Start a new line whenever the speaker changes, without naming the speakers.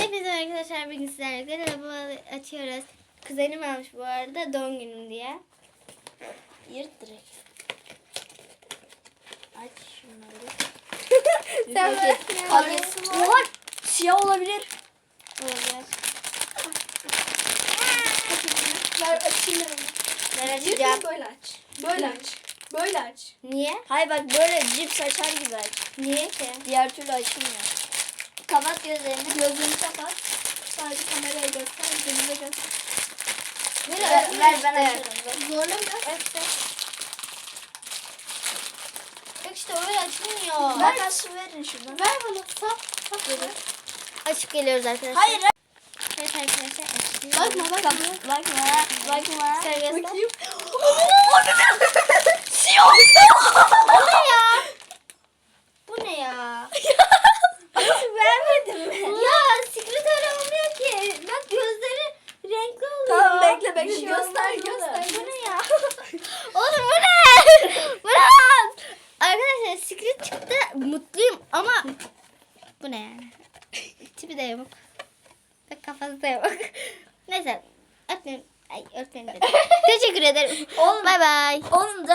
Hepinize arkadaşlar bugün sizlerle araba açıyoruz. Kuzenim almış bu arada doğum günüm diye.
Yırt direkt. Aç şunları.
Sen böyle
Kalyası var. Oha, siyah olabilir.
olacak.
Ver açayım ben onu.
Ben
Yırt
açacağım.
böyle aç. Böyle aç. Böyle aç.
Niye?
Hayır bak böyle cips açar gibi aç.
Niye ki?
Diğer türlü açılmıyor. Kapat gözlerini. Gözlerini kapat. Sadece kameraya göster. Gözüne göster. Ver ben açarım.
Zorla biraz.
Evet.
Yok işte öyle açılmıyor.
Makası verin şuradan.
Ver bana sap. Açıp geliyoruz arkadaşlar.
Hayır.
Evet arkadaşlar açıyoruz.
Bakma.
Sen göster.
Bakayım. Siyah.
Bu ne ya? Bu ne ya?
Nasıl vermedin mi?
Ya secret aramıyor ki. Bak gözleri renkli oluyor.
Tamam bekle
Bir şey
göster
olmaz,
göster.
Bu ne ya? Oğlum bu ne? Bu ne lan? Arkadaşlar secret çıktı. Mutluyum ama bu ne yani? Tipi de yok. Bak kafası da yok. Neyse. Öğretmenim. Ay öğretmenim dedim. Teşekkür ederim.
Oğlum.
Bay bay.
Onun da